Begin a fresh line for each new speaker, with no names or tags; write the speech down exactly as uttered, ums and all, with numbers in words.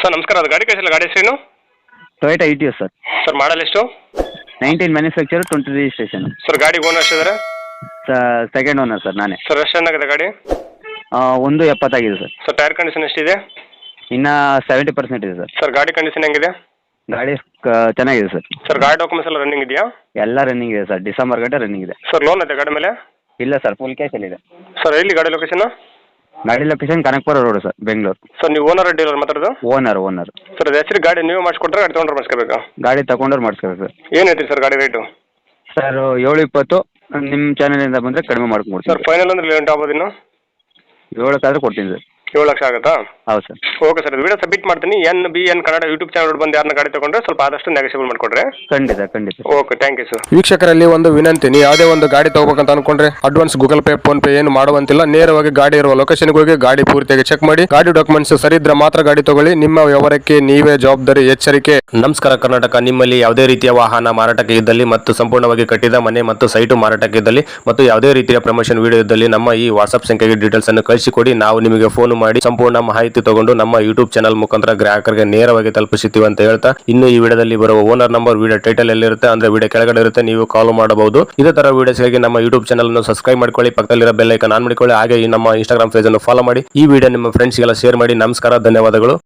Sir ನಮಸ್ಕಾರ, ಅದು ಗಾಡಿ ಕಳಿಸಿಲ್ಲ, ಗಾಡಿ ಹೆಸರೇನು?
Toyota Etios sir.
Sir model ಎಷ್ಟು?
Nineteen manufacture twenty registration.
Sir ಗಾಡಿ ಓನರ್ ಎಷ್ಟಿದ್ದಾರೆ?
ಸೆಕೆಂಡ್ ಓನರ್ ಸರ್ ನಾನೇ.
ಸರ್ ಎಷ್ಟು ಚೆನ್ನಾಗಿದೆ ಗಾಡಿ?
ಆ, ಒಂದು ಎಪ್ಪತ್ತಾಗಿದೆ ಸರ್.
ಸರ್ ಟೈರ್ ಕಂಡೀಷನ್ ಎಷ್ಟಿದೆ?
ಇನ್ನು ಸೆವೆಂಟಿ ಪರ್ಸೆಂಟ್ ಇದೆ ಸರ್.
ಸರ್ ಗಾಡಿ ಕಂಡೀಷನ್ ಹೆಂಗಿದೆ?
ಗಾಡಿ ಕ- ಚೆನ್ನಾಗಿದೆ ಸರ್.
ಸರ್ ಗಾಡಿ ಡಾಕ್ಯುಮೆಂಟ್ಸ್ ಎಲ್ಲ ರನ್ನಿಂಗ್ ಇದೆಯಾ?
ಎಲ್ಲ ರನ್ನಿಂಗ್ ಇದೆ ಸರ್, ಡಿಸೆಂಬರ್ ಗಂಟೆ ರನ್ನಿಂಗ್ ಇದೆ.
ಸರ್ ಲೋನ್ ಇದೆ ಗಾಡಿ ಮೇಲೆ?
ಇಲ್ಲ ಸರ್, ಫುಲ್ ಕ್ಯಾಶಲ್ಲಿ ಇದೆ.
ಸರ್ ಎಲ್ಲಿ ಗಾಡಿ ಲೊಕೇಶನ್?
ಗಾಡಿ location Kanakapura road sir, Bengaluru.
Sir ನೀವು ಓನರ್ ಡೀಲರ್ ಮಾತಾಡೋದು?
ಓನರ್ ಓನರ್
ಸರ್ ಅದು ಹೆಸರು ಗಾಡಿ ನೀವು ಮಾಡಿಸ್ಕೊಟ್ರೆ ಗಾಡಿ ತೊಗೊಂಡ್ರೆ ಮಾಡಿಸ್ಕೋಬೇಕಾ?
ಗಾಡಿ ತಗೊಂಡವ್ರು ಮಾಡಿಸ್ಕೋಬೇಕು ಸರ್.
ಏನು ಹೇಳ್ತೀರಿ ಸರ್ ಗಾಡಿ ರೇಟು?
ಸರ್ ಏಳು ಇಪ್ಪತ್ತು ನಿಮ್ಮ ಚಾನಲಿಂದ ಬಂದರೆ ಕಡಿಮೆ ಮಾಡ್ಕೊಡ್ತೀನಿ
ಸರ್ ಫೈನಲ್ ಅಂದ್ರೆ ಲೇಟ್ ಆಗ್ಬೋದು ಇನ್ನು?
ಏಳಕ್ಕಾದ್ರೆ ಕೊಡ್ತೀನಿ ಸರ್.
ಏಳು ಲಕ್ಷ ಆಗುತ್ತಾ?
ಹೌದು sir.
Okay sir, video submit ಮಾಡ್ತೀನಿ. N B N Kannada YouTube channel ಬಂದು ಯಾರನ್ನ ಗಾಡಿ ತಗೊಂಡ್ರೆ ಸ್ವಲ್ಪ ಆದಷ್ಟು ನೆಗೋಷಿಯಬಲ್ ಮಾಡಿಕೊಡ್ರೆ.
ಖಂಡಿತ ಖಂಡಿತ.
Okay, thank you sir.
ವೀಕ್ಷಕರಲ್ಲಿ ಒಂದು ವಿನಂತಿ, ನೀವು ಯಾವುದೇ ಒಂದು ಗಾಡಿ ತಗೋಬೇಕಂತ ಅನ್ಕೊಂಡ್ರೆ advance Google pay PhonePe ಏನು ಮಾಡುವಂತಿಲ್ಲ. ನೇರವಾಗಿ ಗಾಡಿ ಇರುವ ಲೊಕೇಶನ್ಗೆ ಹೋಗಿ ಗಾಡಿ ಪೂರ್ತಿಯಾಗಿ ಚೆಕ್ ಮಾಡಿ, ಗಾಡಿ ಡಾಕ್ಯುಮೆಂಟ್ಸ್ ಸರಿ ಇದ್ರೆ ಮಾತ್ರ ಗಾಡಿ ತಗೊಳ್ಳಿ. ನಿಮ್ಮ ವ್ಯವಹಾರಕ್ಕೆ ನೀವೇ ಜವಾಬ್ದಾರಿ. ಎಚ್ಚರಿಕೆ. ನಮಸ್ಕಾರ ಕರ್ನಾಟಕ. ನಿಮ್ಮಲ್ಲಿ ಯಾವುದೇ ರೀತಿಯ ವಾಹನ ಮಾರಾಟಕ್ಕೆ ಇದ್ದಲ್ಲಿ ಮತ್ತು ಸಂಪೂರ್ಣವಾಗಿ ಕಟ್ಟಿದ ಮನೆ ಮತ್ತು ಸೈಟು ಮಾರಾಟಕ್ಕೆ ಇದ್ದಲ್ಲಿ ಮತ್ತು ಯಾವುದೇ ರೀತಿಯ ಪ್ರಮೋಷನ್ ವಿಡಿಯೋ ಇದ್ದಲ್ಲಿ ನಮ್ಮ ಈ ವಾಟ್ಸ್ಆಪ್ ಸಂಖ್ಯೆಗೆ ಡೀಟೇಲ್ಸ್ ಅನ್ನು ಕಳಿಸಿಕೊಡಿ. ನಾವು ನಿಮಗೆ ಫೋನ್ ಮಾಡಿ ಸಂಪೂರ್ಣ ಮಾಹಿತಿ ತಗೊಂಡು ನಮ್ಮ ಯೂಟ್ಯೂಬ್ ಚಾನಲ್ ಮುಖಾಂತರ ಗ್ರಾಹಕರಿಗೆ ನೇರವಾಗಿ ತಲುಪಿಸುತ್ತೀವಿ ಅಂತ ಹೇಳ್ತಾ, ಇನ್ನು ಈ ವಿಡಿಯೋದಲ್ಲಿ ಬರುವ ಓನರ್ ನಂಬರ್ ವಿಡಿಯೋ ಟೈಟಲ್ ಎಲ್ಲಿರುತ್ತೆ ಅಂದ್ರೆ ವಿಡಿಯೋ ಕೆಳಗಡೆ ಇರುತ್ತೆ, ನೀವು ಕಾಲ್ ಮಾಡಬಹುದು. ಇದೇ ತರ ವಿಡಿಯೋಸ್ಗಾಗಿ ನಮ್ಮ ಯೂಟ್ಯೂಬ್ ಚಾನಲ್ ಅನ್ನು ಸಬ್ಸ್ಕ್ರೈಬ್ ಮಾಡ್ಕೊಳ್ಳಿ, ಪಕ್ಕದಲ್ಲಿರೋ ಬೆಲ್ ಐಕಾನ್ ಆನ್ ಮಾಡಿಕೊಳ್ಳಿ. ಹಾಗೆ ಈ ನಮ್ಮ ಇನ್ಸ್ಟಾಗ್ರಾಮ್ ಪೇಜ್ ಅನ್ನು ಫಾಲೋ ಮಾಡಿ. ಈ ವಿಡಿಯೋ ನಿಮ್ಮ ಫ್ರೆಂಡ್ಸ್ಗೆಲ್ಲ ಶೇರ್ ಮಾಡಿ. ನಮಸ್ಕಾರ, ಧನ್ಯವಾದಗಳು.